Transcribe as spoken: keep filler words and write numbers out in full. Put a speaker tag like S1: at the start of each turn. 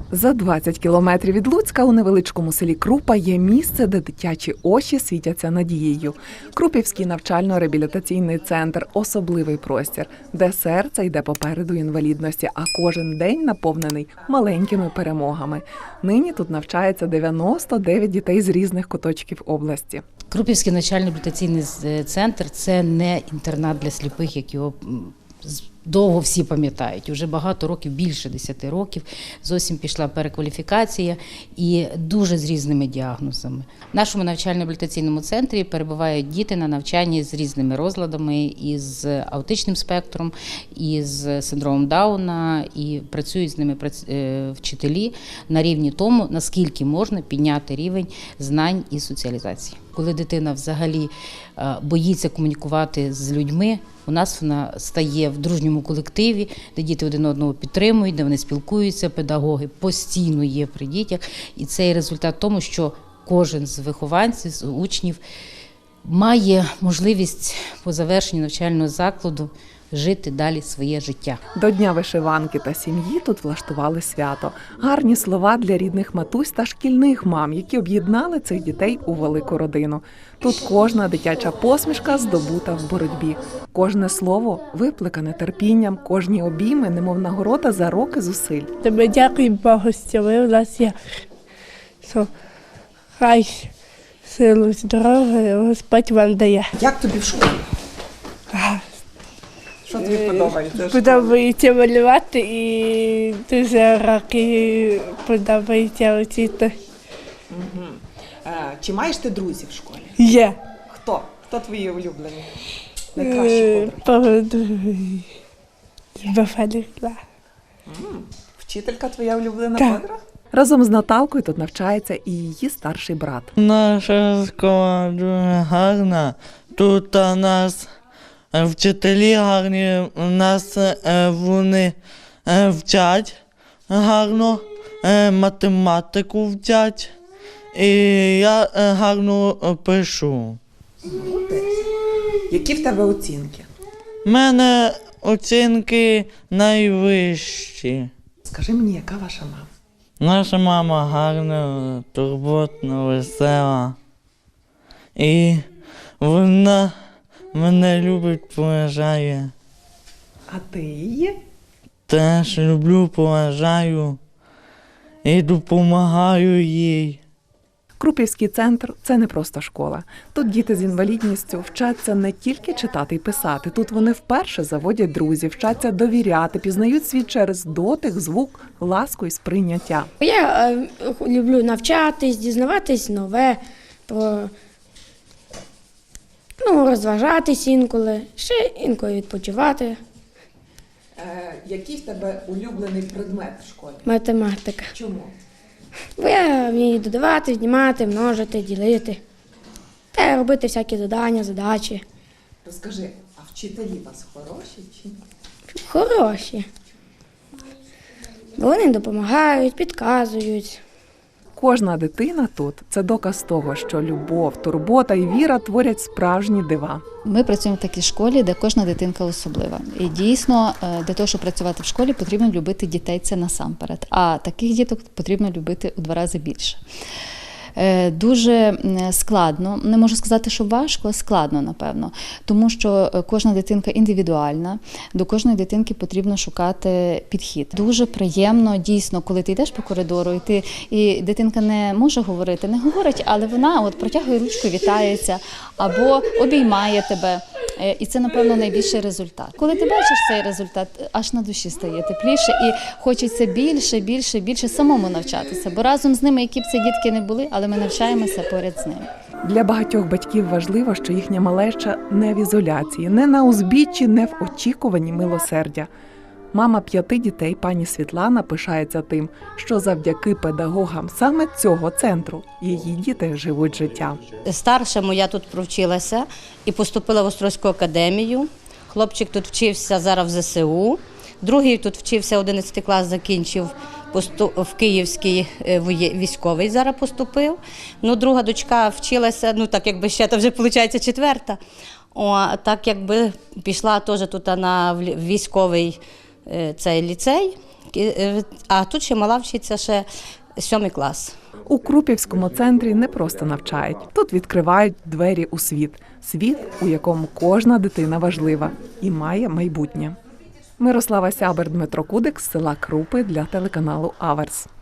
S1: За двадцять кілометрів від Луцька у невеличкому селі Крупа є місце, де дитячі очі світяться надією. Крупівський навчально-реабілітаційний центр – особливий простір, де серце йде попереду інвалідності, а кожен день наповнений маленькими перемогами. Нині тут навчається дев'яносто дев'ять дітей з різних куточків області.
S2: Крупівський навчально-реабілітаційний центр – це не інтернат для сліпих, як його довго всі пам'ятають. Уже багато років, більше десяти років, зовсім пішла перекваліфікація і дуже з різними діагнозами. В нашому навчально-реабілітаційному центрі перебувають діти на навчанні з різними розладами, із аутичним спектром, із синдромом Дауна, і працюють з ними вчителі на рівні тому, наскільки можна підняти рівень знань і соціалізації. Коли дитина взагалі боїться комунікувати з людьми, у нас вона стає в дружньому колективі, де діти один одного підтримують, де вони спілкуються, педагоги постійно є при дітях. І це є результат тому, що кожен з вихованців, з учнів має можливість по завершенні навчального закладу жити далі своє життя.
S1: До Дня вишиванки та сім'ї тут влаштували свято. Гарні слова для рідних матусь та шкільних мам, які об'єднали цих дітей у велику родину. Тут кожна дитяча посмішка здобута в боротьбі. Кожне слово випликане терпінням, кожні обійми, немов нагорода за роки зусиль.
S3: Тебе дякую Богу, що ви в нас є. Що хай силу, здоров'я Господь вам дає.
S1: Як тобі в школі? Що тобі подобається?
S3: Подобається малювати і дуже роки подобається вчити.
S1: Угу. А, чи маєш ти друзів в школі?
S3: Є.
S1: Хто? Хто твої улюблені? Найкращі подруги?
S3: Подруги.
S1: Вчителька твоя улюблена
S3: Так.
S1: подруга? Разом з Наталкою тут навчається і її старший брат.
S4: Наша школа дуже гарна. Тут у нас вчителі гарні, нас вони вчать гарно, математику вчать, і я гарно пишу.
S1: Які в тебе оцінки?
S4: У мене оцінки найвищі.
S1: Скажи мені, яка ваша мама?
S4: Наша мама гарна, турботна, весела. І вона мене любить, поважає.
S1: А ти її?
S4: Теж люблю, поважаю і допомагаю їй.
S1: Крупівський центр – це не просто школа. Тут діти з інвалідністю вчаться не тільки читати і писати. Тут вони вперше заводять друзів, вчаться довіряти, пізнають світ через дотик, звук, ласку і сприйняття.
S5: Я е, люблю навчатись, дізнаватись нове, про, ну, розважатись інколи, ще інколи відпочивати.
S1: Е, який в тебе улюблений предмет в школі?
S5: Математика.
S1: Чому?
S5: Бо я вмію додавати, знімати, множити, ділити. Та робити всякі завдання, задачі.
S1: Розкажи, а вчителі у вас хороші чи ні?
S5: Хороші. Бо вони допомагають, підказують.
S1: Кожна дитина тут – це доказ того, що любов, турбота і віра творять справжні дива.
S6: Ми працюємо в такій школі, де кожна дитинка особлива. І дійсно, для того, щоб працювати в школі, потрібно любити дітей, це насамперед. А таких діток потрібно любити у два рази більше. Дуже складно, не можу сказати, що важко, складно, напевно, тому що кожна дитинка індивідуальна, до кожної дитинки потрібно шукати підхід. Дуже приємно, дійсно, коли ти йдеш по коридору, і, ти, і дитинка не може говорити, не говорить, але вона от протягує ручку, вітається, або обіймає тебе. І це, напевно, найбільший результат. Коли ти бачиш цей результат, аж на душі стає тепліше і хочеться більше, більше, більше самому навчатися. Бо разом з ними, які б це дітки не були, але ми навчаємося поряд з ними.
S1: Для багатьох батьків важливо, що їхня малеча не в ізоляції, не на узбіччі, не в очікуванні милосердя. Мама п'яти дітей, пані Світлана, пишається тим, що завдяки педагогам саме цього центру її діти живуть життя.
S7: Старшому я тут провчилася і поступила в Острозьку академію. Хлопчик тут вчився зараз в зе се у. Другий тут вчився, одинадцятий клас закінчив, в Київський військовий зараз поступив. Ну, друга дочка вчилася, ну так якби ще, то вже виходить четверта. О, так якби пішла теж тут на військовий цей ліцей, А тут ще мала вчиться ще сьомий клас.
S1: У Крупівському центрі не просто навчають. Тут відкривають двері у світ. Світ, у якому кожна дитина важлива і має майбутнє. Мирослава Сябер, Дмитро Кудик з села Крупи для телеканалу Аверс.